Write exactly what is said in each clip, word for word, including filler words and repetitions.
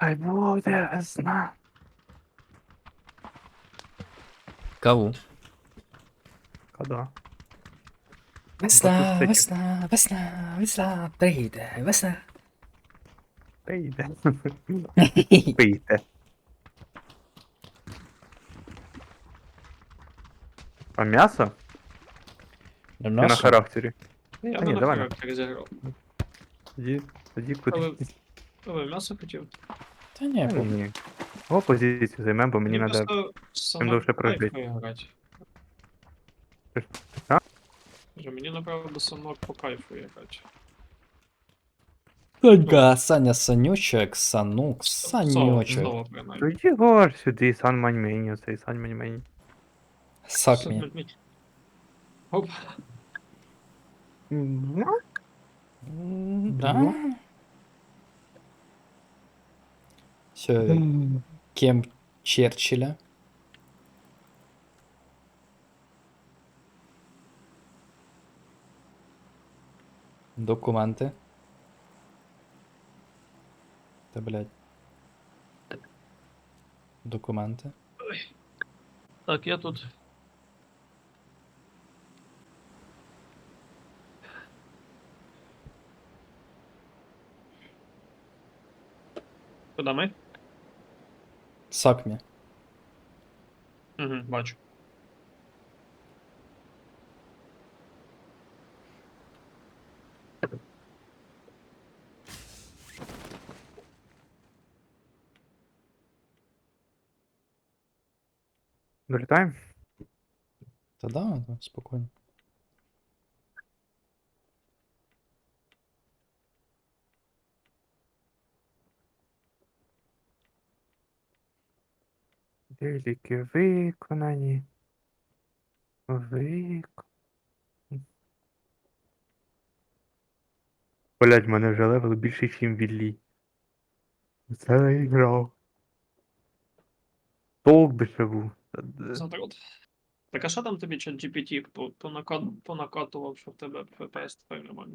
Хай буде весна. Каву. Кода. Весна, Батут весна, весна, весна, прийде, весна. Пийте. Пийте. А м'ясо? Ну, Чи на м'ясо? характері? Я Та би ні, на давай на. характері зіграв. Тоді, тоді куди? Але, але м'ясо хотів. Та ні, Та по... ні. О, позицію займемо, бо мені Мені треба просто чим сама довше кайф прожити. грати. А? Кажу, мені направду сама по кайфу грати. Санька, Саня, Санючек, Санук, Соло, Санючек. соло принаймні. Тоді гор сюди, сан маньмені, оцей сан маньмені. Сак мі. Оп. Ну, М, Да? ну. Все, кем Черчилля. Документи. Та, блядь. Документи. Так, я тут. Куди ми? Сак мі. Угу, бачу. Долітаємо? Та да, да, спокійно. Деліки виконані. Вик... Блять, в мене вже левел більше, ніж в Віллі. Це не грав. Толк би ще був. Та де. Задрот. Так а що там тобі чат джі пі ті по- понакат- понакатував, що в тебе еф пі ес тепер нормально?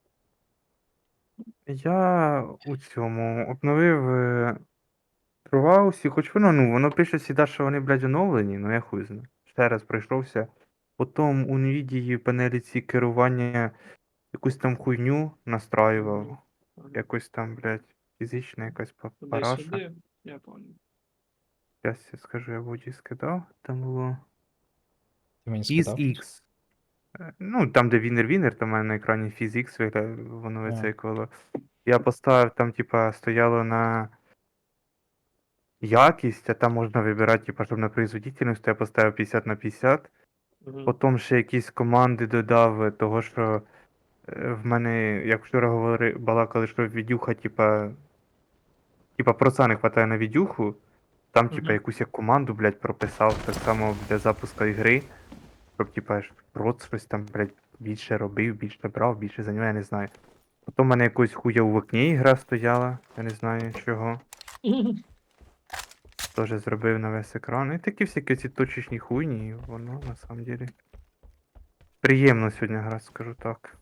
Я у цьому обновив е, Труваусі, хоч воно, ну, воно пише всегда, що вони, блядь, оновлені, ну я хуй знаю. Ще раз пройшовся. Потім у Nvidia в панелі ці керування якусь там хуйню настраював. Ага. Якось там, блядь, фізична якась па- параша. Туди-сюди, я понял. Зараз я скажу, я воді скидав. Там було Ти мені скидав? FizX. Е, Ну, там, де Вінер-Вінер, там у мене на екрані FizX виглядає, воно А. вицикувало. Я поставив, там, типа, стояло на якість, а там можна вибирати, типа, щоб на производительність, я поставив п'ятдесят на п'ятдесят. Угу. Потім ще якісь команди додав, е, того що е, в мене, як вчора говорили, балакали, що відюха, типа, типа проца не хватає на відюху. Там, типа, Мгм. якусь я команду, блядь, прописав так само для запуску ігри. Щоб, типа, ж проц щось там, блядь, більше робив, більше брав, більше за нього, я не знаю. Потім в мене якось хуя в окні ігра стояла, я не знаю чого. Теж зробив на весь екран. І такі всякі ці точечні хуйні, і воно на самом деле. Приємно сьогодні грати, скажу так.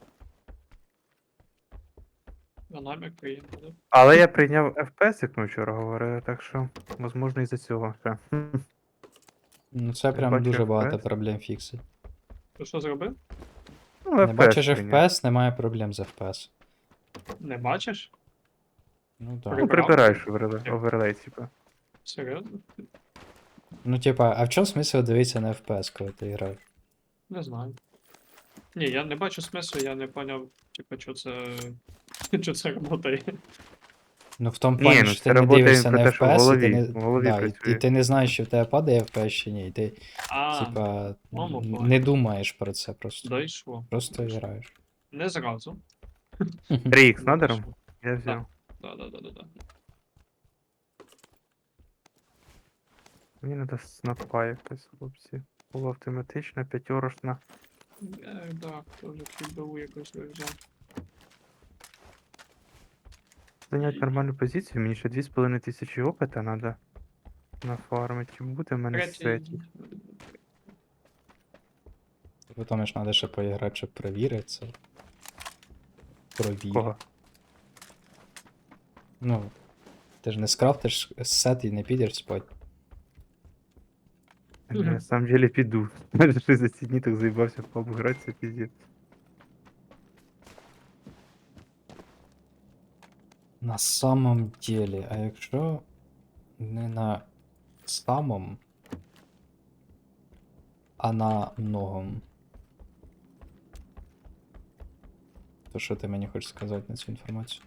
Динамік приємно, да? Але я прийняв еф пі ес, як ми вчора говорили, так що, можливо, із-за цього ще. Хм. Ну це Я прям бачу дуже багато еф пі ес. проблем фіксить. Ти що зробив? Ну, Не еф пі ес бачиш прийняв. еф пі ес, немає проблем з еф пі ес. Не бачиш? Ну да. Ну, Прибрав? прибираєш оверлей, оверлей, типа. Серйозно? Ну типа, а в чому смисл дивитися на еф пі ес, коли ти граєш? Не знаю. Ні, я не бачу смислу, я не поняв, типу, що це. Що це работає. Ну в тому Ні, плані, ну що ти це не працює дивишся про на те, що в еф пі ес, і ти голові, не. в голові Да, і, і працює. ти не знаєш, чи в тебе падає еф пі ес чи ні. І ти, А, типа, мама н- понял. не думаєш про це просто. Дійшло. Просто Дійшло. граєш. Не зразу. три ікс Ну, надером? дійшло. Я взяв. Да, да, да, да, да. Мені треба снапа якась, хлопці. Була автоматична, п'ятерошна. Я, да, теж підбиву якось вивзяв. Зайняти нормальну позицію, мені ще дві з половиною тисячі опита треба нафармити. Буде в мене Третій. сеті. Потім ж треба ще поіграти, щоб перевірити це. Провір. Кого? Ну, Ти ж не скрафтиш сет і не підеш спать. Я на самом деле піду. Майже щось за ці дні так заїбався в паб грати, це піздець. На самом деле, а якщо не на самом, а на многом. То що ти мені хочеш сказати на цю інформацію?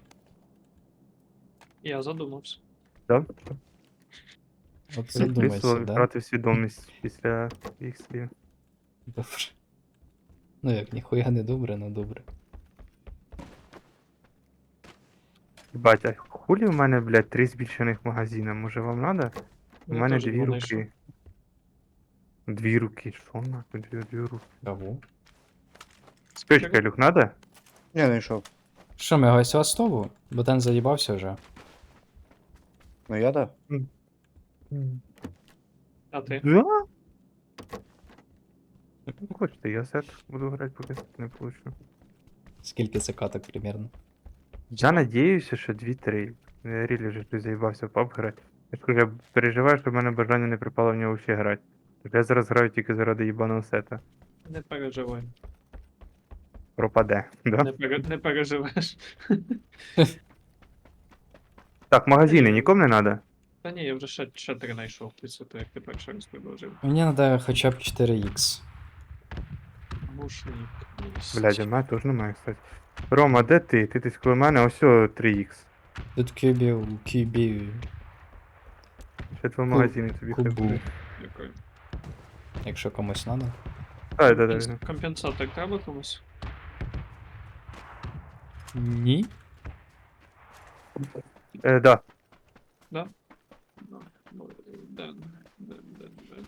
Я задумався. Да? От Записував задумайся, і да? втратив свідомість після їх слів. Добре. Ну як, ніхуя не добре, но добре. Бать, а хулі в мене, блядь, три збільшених магазина? Може вам надо? У Я мене теж дві два знайшов. руки. Дві руки, що нахуй, дві, дві руки. Кого? Спичка, Люк, надо? Не знайшов. Що, ми гайся Астову? Бо ten заїбався вже. Ну я да. А ти? Да? Ну, хочете, я сет буду грати, поки сет не получу. Скільки це каток примерно? Я надіюся, що дві-три. Я рілі вже ти заїбався в паб грати. Я ж кажу, я переживаю, що в мене бажання не припало в нього ще грати. Так я зараз граю тільки заради їбаного сета. Не переживай. Пропаде, да? Не, пере... не переживеш. Так, магазини нікому не надо? Та ні, я вже ще, ще три знайшов після того, як ти перший раз предложив. Мені треба хоча б чотири ікс. Мушник. Блядь, у мене теж немає, кстати. Рома, де ти? Ти десь коло мене, ось о три ікс. Тут кюбів, кюбів. Ще два магазини тобі хай кубу. буде. Дякую. Якщо комусь треба. Так, так, Компенс- так. Компенсатор треба комусь? Ні. Е, да. Да? Ну, ну, Ден, ден, ден, ден.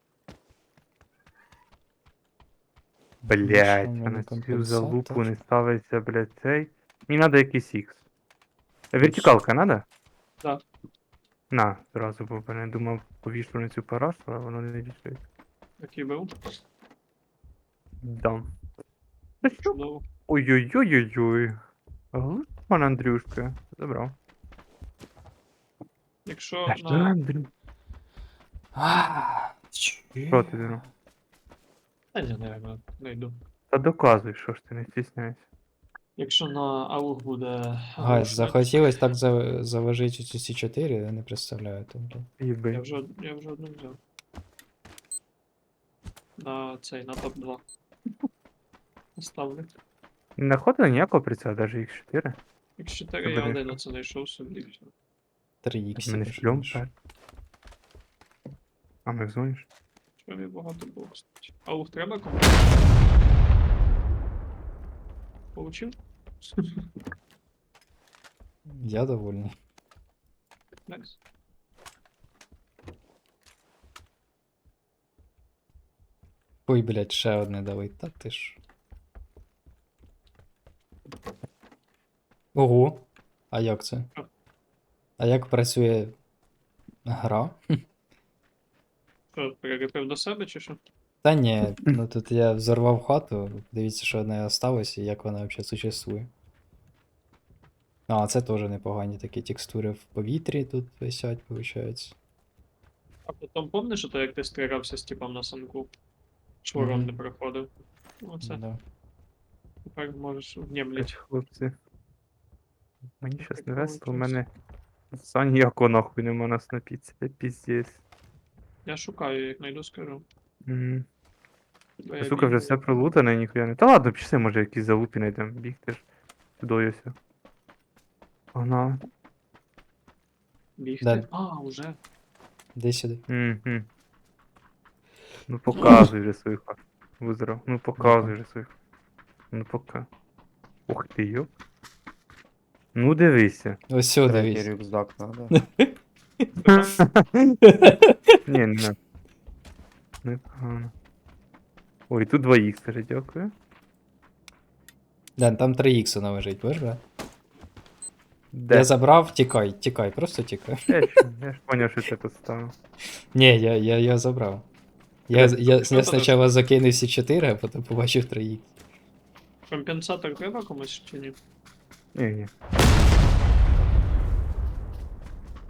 Блять, що в а мене на цю компенсатор? залупу не ставиться, блять, цей. Мені надо якийсь ікс. Вертикалка надо? Да. На, зразу, бо я думав, повішу на цю парашу, а воно не вішає. Який був? Дам. Та що? Чудово. Ой-ой-ой-ой-ой. Глуп, пан Андрюшка. Забрав. Якщо Та що, на... Андрю? А, Що ти думав? Та ні, наверное, знайду. Та доказуй, що ж ти не стісняйся. Якщо на аух буде... Гай, мушник, захотілось так за- заложити ці ці чотири, я не представляю. Тобто. Я Їби. вже, од- я вже одну взяв. На цей, на топ два. Ставлю. Не знаходили ніякого прицела, навіть ікс чотири. Ікс чотири я Добре. один оце знайшов собі. і все. три ікс. Мене шльом так. А ми в зоні ж? Що мені багато було, кстати. Аух треба кому? Получив? Я довольний. Найс. Ой, блядь, ще одне дали. Та ти ж. Ого. А як це? Що? А як працює гра? Що, переліпив до себе чи що? Та ні, ну тут я взорвав хату, дивіться, що одне осталось і як вона взагалі существує. А, це теж непогані такі текстури в повітрі тут висять, виходить. А потім помниш, що то як ти стрілявся з типом на санку? Чвором Мгм. не проходив. Оце. Да. Тепер можеш Блять, внімлять. хлопці. Мені щас не Прикольно весело, у щось. мене Сані ніякого нахуй нема нас напіться, це піздець. Я шукаю, як знайду, скажу. Мгм. Бо я Сука, вже бігаю. все пролутане, ніхуя не. Та ладно, пішли, може якісь залупі знайдемо, бігти ж. Туди ось. Погнали. Бігти. Далі. А, уже. Де сюди? Мгм. Ну показуй вже свою хату. Визрав. Ну показуй вже свою хату. Ну пока. Ух ти, йоп. Ну дивися. Ось сюди Третій дивись. рюкзак надо. Ні, не надо. Непогано. Ой, тут два ікс, каже, дякую. Ден, там три ікса належить, бачиш, да? Де? Я забрав, тікай, тікай, просто тікай. Я ж, я ж поняв, що це тут стало. Ні, я, я, я забрав. Я, я, я, Що ти спочатку закинув всі чотири, а потім побачив три ікс. Компенсатор треба комусь чи ні? Ні, ні.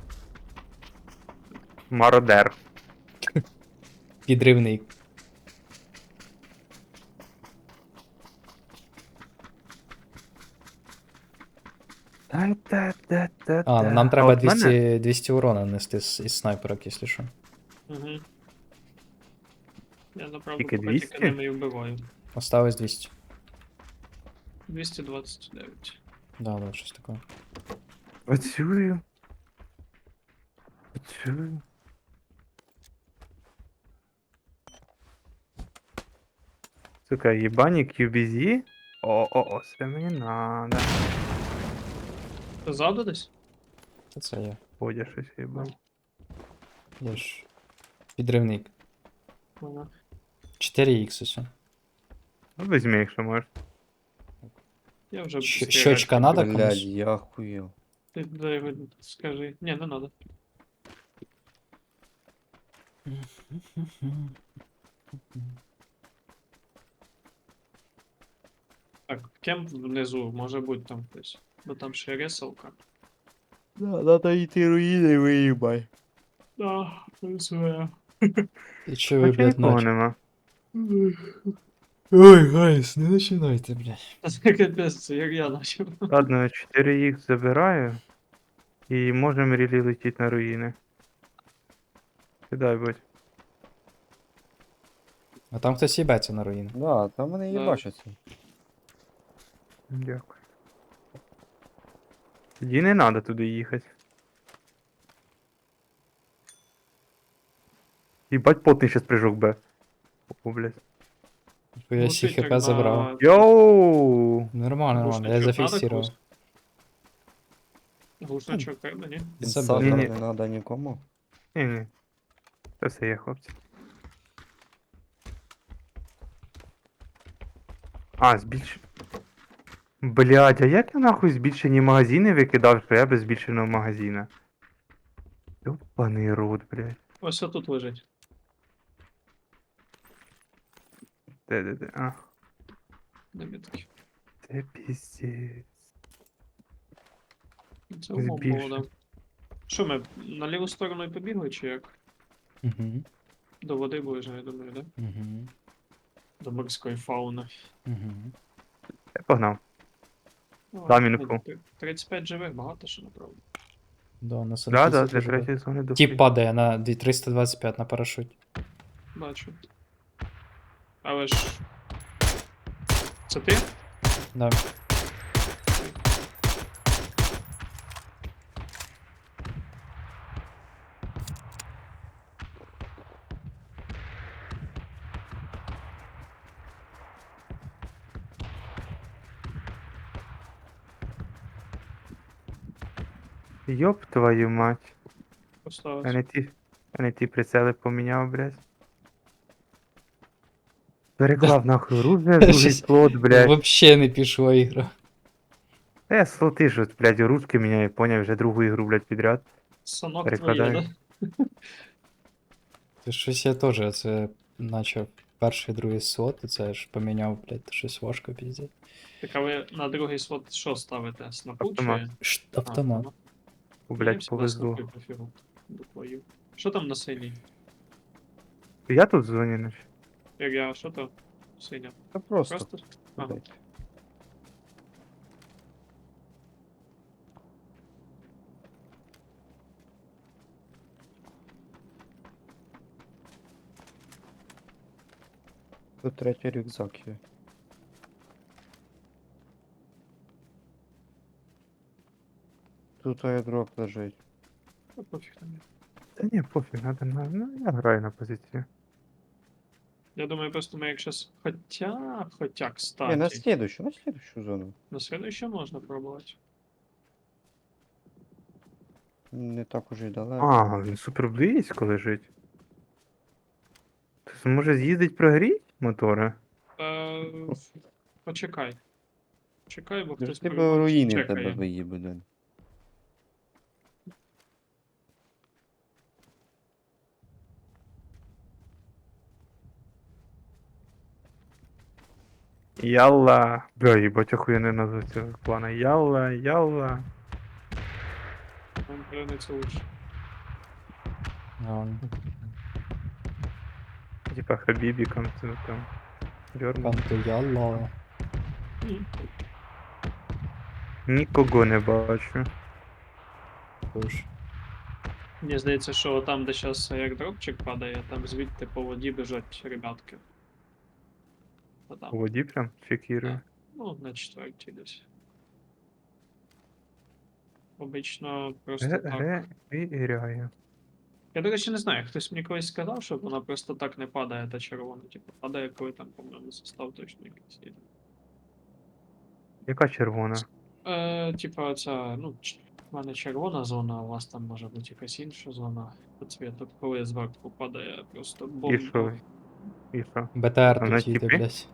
Мародер. Підривник. Та-та-та-та-та. А, ну нам А треба от мене- двісті, двісті урона нести з, із снайперок, якщо що. Угу. Я направду Тільки поки двісті? тільки ними і вбиваю. Осталось двісті. двісті двадцять дев'ять. Да, да, щось таке. Працюю. Працюю. Сука, ебаник ю би зі. О-о-о, це мені надо. Ти ззаду десь? Це це я. Ходя щось їбав. Я ж. Підривник. Ага. чотири ікс ось. Ну, візьми, якщо можеш. Я вже Щ- стріляти щочка не надо буду. Блядь, комусь? я охуел. Ти дай його скажи. Ні, не надо. Так, кемп внизу, може бути там хтось. Бо там ще ресалка. Да, надо идти руины выебай. Да, це. І що ви, Хоча блядь, нікого наче? нема. Ой, гайс, не починайте, блядь. Це капець, це як я начав. Ладно, чотири ікс забираю. І можемо рілі летіти на руїни. Кидай, будь. А там хтось їбеться на руїни. Да, там вони Да. їбачаться. Дякую. Тоді не треба туди їхати. Їбать потний щас прыжок Б. О, блядь. Я всі Летить, хп як забрав. на- Йоу! Нормально, нормально, я Глушничок надо зафіксував. комусь? Глушничок треба, ні? Забрав. Ні, Інсайдер ні. не надо нікому. Ні, ні. Це все є, хлопці. А, збільш... Блядь, а як я нахуй збільшені магазини викидав, що я без збільшеного магазина? Ёбаний рот, блядь. Ось тут лежить. Де, де, де? А, На мітки. це піздець. Це умов Збільшив. було, да. Що ми на ліву сторону і побігли, чи як? Угу, До води ближе, я думаю, да? угу, До морської фауни. угу. Я погнав. Ну, Да, ну, мінку. ти- тридцять п'ять живих, багато що направду. Да, на Да, да, для третьої зони до Тіп падає на дві- триста двадцять п'ять на парашуті. Бачу. Але ж. Це ти? Да. Йоп твою мать. А Поставився. не ті, а не ті прицели поміняв, блядь. Переклав нахуй оружие, другий Щось слот, блядь. Вообще не пішла ігра. Та я слоти ж, от, блядь, ручки міняю, поняв, вже другу ігру, блядь, підряд. Санок Перекладаю. твоє, да? Це щось я теж, це начав перший, другий слот, і це ж поміняв, блядь, щось важко піздець. Так а ви на другий слот що ставите? Снапу чи? Автомат. Ш- А, Автомат. О, Мені блядь, всегда повезло. снапи пофігу. До твою. Що там на синій? Я тут в зоні, наче. Як я, що то? Синя. Та просто. Просто? Ага. блядь. Тут третій рюкзак є. Тут аердроп лежить. Та пофіг там. є. Та ні, пофіг, надо на. Ну, я граю на позицію. Я думаю, просто ми як щас. Хоча, хоча, кстати. Не, на следующую, на следующую зону. На следующее можна пробувати. Не так уже й далеко. А, він супер близько лежить. Ти може з'їздить прогріть мотори? Е, почекай. Чекай, бо Ти хтось ж тебе по-любому руїни чекає. тебе виїбе, Ден. Ялла. Бля, їбать, охуєнний назва цього плана. Ялла, ялла. Нам прийдеться лучше. Реально. Типа Хабібіком, це там. Дьорма. Кантоялла. М. Нікого не бачу. Тож. Мені здається, що там, де зараз аердропчик падає, там звідти по воді біжать ребятки. Та У там, воді прям чекірую. ну, на четвертій десь. Обично просто Ге, так. ге, і ряє. Я, до речі, не знаю, хтось мені колись сказав, що вона просто так не падає, та червона. Типу, падає, коли там, по-моєму, состав точно якийсь є. Яка червона? Е, типа, ця, ну, ч- в мене червона зона, а у вас там може бути якась інша зона по цвіту, коли зверху падає просто І бомба. що? І що? БТР Вона тут їде, тіпи? блядь.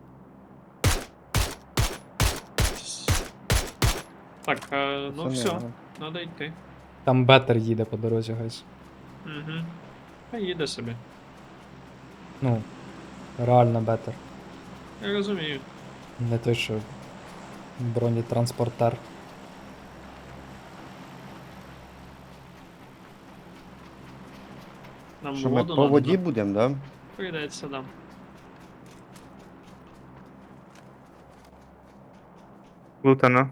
Так, е, ну Це не все, я. треба йти. Там бетер їде по дорозі, гайс. Угу. Хай їде собі. Ну, реально бетер. Я розумію. Не той, що бронетранспортер. Нам Що ми воду по надо, воді да? будемо, да? Прийдеться, да. Лутано.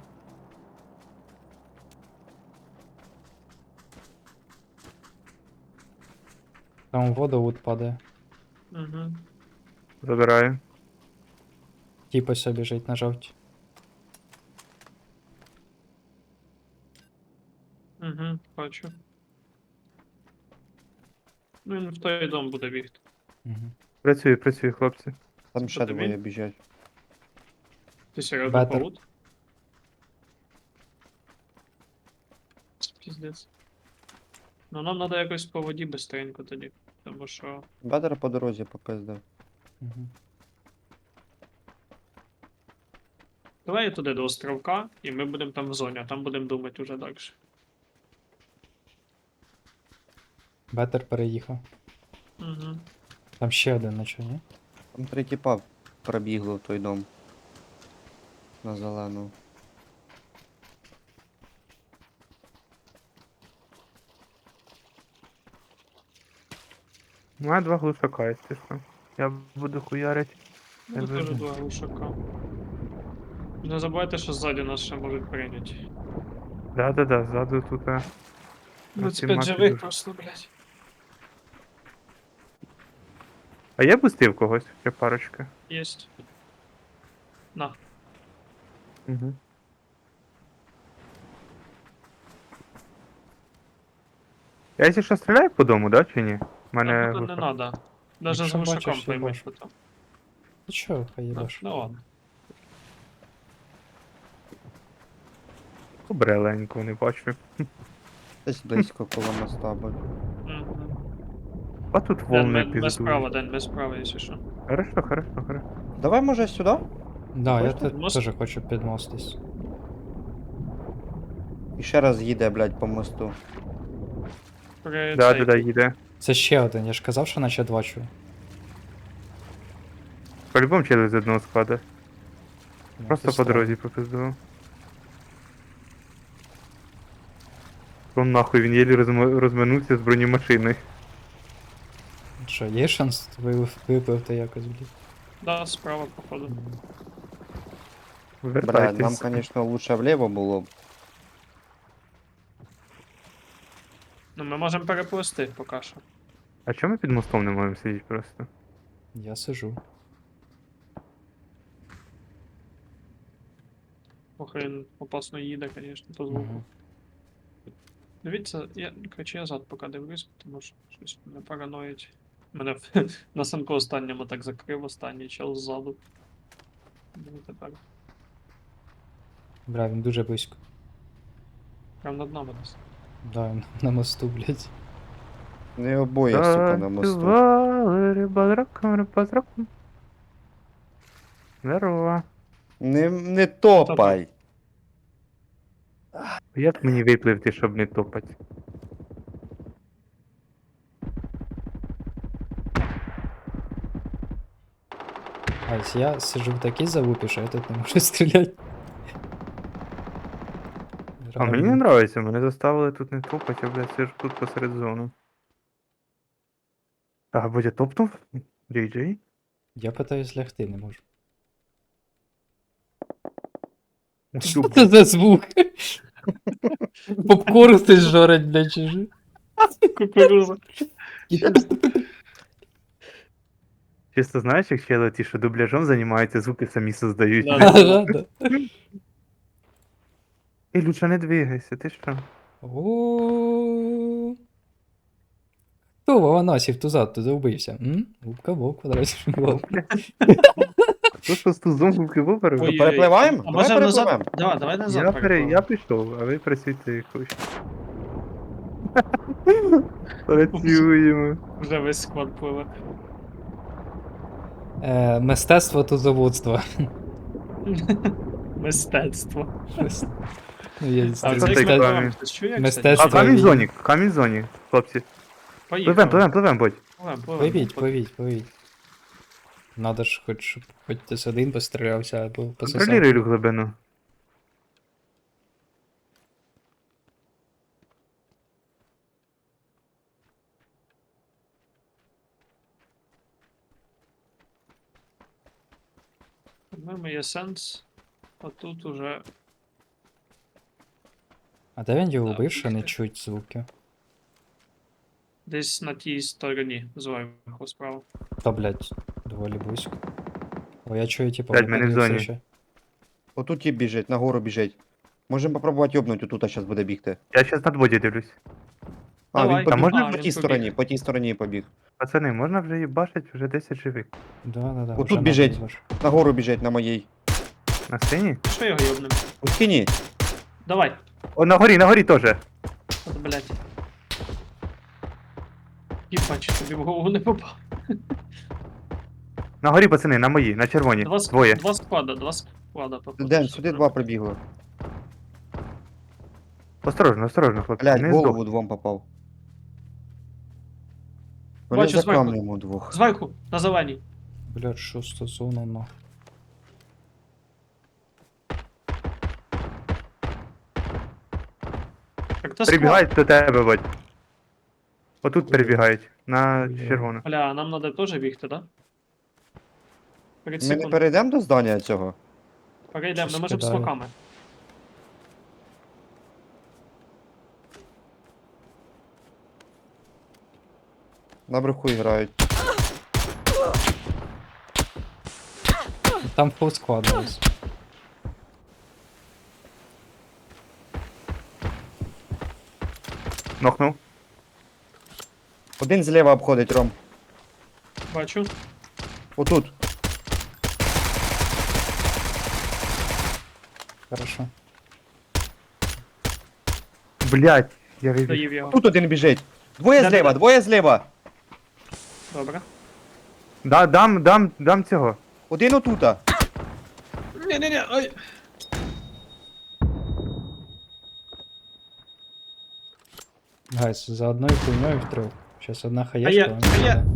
Там водовод падає. Угу. Забираю. Тіп ось біжить на жовті. Угу, бачу. Ну він в той дом буде бігти. Угу. Працюю, працюю, хлопці. Там Це ще по тобі? двоє біжать. Ти серйозно Бетер. паут? Піздець. Ну нам треба якось по воді бистренько тоді. Тому що. Бедер по дорозі попиздив. Угу. Давай туди до островка, і ми будемо там в зоні, а там будемо думати уже далі. Бетер переїхав. Угу. Там ще один на чого, ні? Там три тіпа пробігло в той дом. На зелену. У мене два глушака, якщо що. Я буду хуярить. Ну, Я теж вижу. два глушака. Не забувайте, що ззаді нас ще можуть прийняти. Да-да-да, ззаду тут. а, двадцять Тімати п'ять живих дуже. просто, блядь. А я пустив когось, ще парочка. Єсть. На. Угу. Я якщо що стріляю по дому, да, чи ні? У мене Мене... Тут не глушак. надо. Даже з Якщо глушаком бачиш, поймуть, їбаш. що там. Ти чого, хай Ну, їбаш. ну ладно. Побреленько, не бачу. Десь близько коло моста буде. Угу. А тут Ден, волни ми, ми справа, піздують. Ден, ми справа, якщо що. Хорошо, хорошо, хорошо. Давай, може, сюди? Да, я Хочете те- мост? теж хочу підмостись. І ще раз їде, блядь, по мосту. При Да, цей- да, да, їде. Це ще один, я ж казав, що наче два чую. По-любому через одного складу. Ну, Просто це по странно. дорозі попиздував. Он нахуй, він єлі розм... розминувся з бронемашиною. Що, є шанс випив- випливти якось, блін? Да, справа, походу. Блядь, нам, Вертайтесь. конечно, лучше вліво було б. Ну, ми можемо переплисти поки що. А чому ми під мостом не можемо сидіти просто? Я сижу. Ох, він опасно їде, звісно, по звуку. Угу. Дивіться, я, коротше, я зад поки дивлюсь, тому що щось мене параноїть. Мене на санку останньому так закрив, останній чел ззаду. Ну, тепер. Бля, він дуже близько. Прям над нами десь. Да, він на мосту, блядь. Не обоє, сука, на мосту. Танцювали риба з раком, риба з раком. Здорово. Не, не топай! Як мені випливти, щоб не топати? Ась, я сижу в такій залупі, що я тут не можу стріляти. А мені не Реально. подобається, мене заставили тут не топати, а блядь, сижу тут посеред зони. А, Бодя топнув? Джей Джей? Я питаюсь лягти, не можу. Усю, Що це за звук? Попкорн ти жорить, блядь, чи ж? Кукуруза. Чисто знаєш, як чели ті, що дубляжом займаються, звуки самі создають. Да. блядь. Ага, да. Ей, Люша, не двигайся, ти що? О. Хто Вованасів тузад туди вбився? М? Губка Боб, квадратів Боб. Хто що з тузом губки виборив? Ой-ой-ой. перепливаємо? А Давай може назад? перепливемо. Да, давай назад Я, пере... перепливемо. я пішов, а ви працюйте як хочете. Працюємо. Вже весь склад пливе. Е, Мистецтво тузоводства. Мистецтво. Ну, є А що це це як ми таке? пливемо? Хтось чує, як Мистецтво. А кстати? камінь в він- зоні, камінь в зоні, хлопці. Пливем, Поїхали. пливем, пливем, будь. Пливем, пливем. Пливіть, пливіть, пливіть. Надо ж хоч, щоб хоч хтось один пострілявся або пососав. Контролюй глибину. По-моєму, є сенс. А тут уже. А де він його Да, вбив, що не бігти. чуть звуки? Десь на тій стороні зверху справа. Та, блядь, доволі близько. О, я чую, типу, Блядь, ми не в випадів зоні. все ще. Отут тіп біжить, нагору біжить. Можемо попробувати йобнути, отут зараз буде бігти. Я щас над воді дивлюсь. А, Давай. він побіг А можна по він тій побіг. стороні, по тій стороні побіг. Пацани, можна вже їбашить, вже десять живих. Да, да, да. Отут вже біжить. надо зваж. Нагору біжить на моїй. На сцені? Що його йобнем? У скині. Давай. О, на горі, на горі теж. От, блядь. Їбач, тобі в голову не попав. На горі, пацани, на моїй, на червоній. Два, ск- Двоє. два склада, два склада. походу, Ден, що сюди треба. два прибігло. Осторожно, осторожно, хлопці. Блядь, не в голову здох. двом попав. Бачу Вони за зверху. камнем у двох. Зверху, на зеленій. Блядь, що стосовно на. Так то склад. Прибігають до тебе, бать. Отут Куди? перебігають. На Куди? червону. Бля, нам треба теж бігти, да? Перед Ми не секунд. перейдемо до здання цього? Перейдемо, Щось ми можемо з кидає. смоками. Наверху грають. Там фул склад десь. Нокнув. Один зліва обходить, Ром. Бачу. Отут. Хорошо. Блять, я вибіг. Доїв його. Тут один біжить. Двоє Де-де-де? зліва, двоє зліва. Добре. Да, дам, дам, дам цього. Один отута. Ні-ні-ні, ой. Гайс, за одною хуйньою в трьох. Щас одна хаєшка. я- вона а я- буде.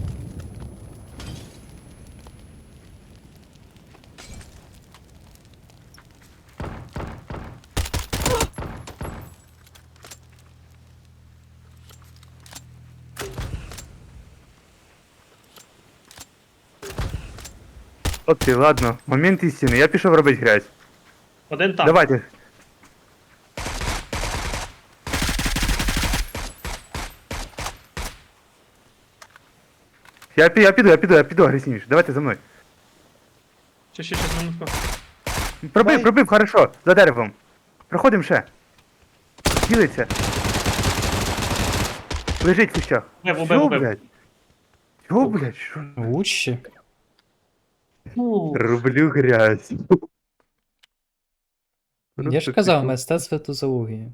Хлопці, ладно, момент істини. Я пішов робити грязь. Один там. Давайте. Я, пі- я піду, я піду, я піду агресивніше. Давайте за мною. Ще, ще, ще, минутку. Пробив, Давай. пробив, хорошо, за деревом. Проходимо ще. Ділиться. Лежить в кущах. Не, вбив, Чого, вбив. блядь? Чого, блядь? Що? Лучше. Фу. Роблю грязь. Я ж казав, мистецтво тузології.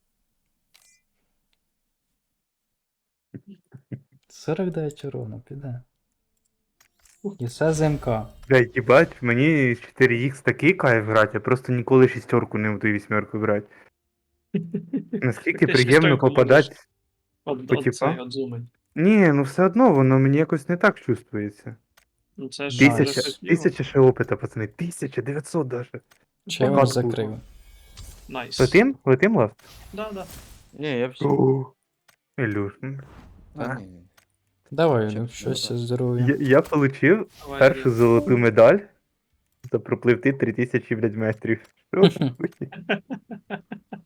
сорок дев'ять урона, піде. І все ЗМК. Блядь, їбать, мені чотири ікс такий кайф грати, я просто ніколи шістерку не буду і вісьмерку брати. Наскільки Ти приємно шістерку попадати. От, По от тіпа? цей, от зуми. Ні, ну все одно воно мені якось не так чувствується. Ну це ж Тисяча- вже Тисяча, щось діло. тисяча ще опита, пацани. тисяча дев'ятсот даже. Чи я Багато вас було. закрив? Найс. Летим? Летим, Лав? Да, да. Ні, я всі. О, Ілюш, м, Та А? ні. Давай, Чи- ну, ну, щось так. здоров'я. Я, я получив Давай, першу Ілля. золоту медаль за пропливти три тисячі, блядь, метрів. Що таке?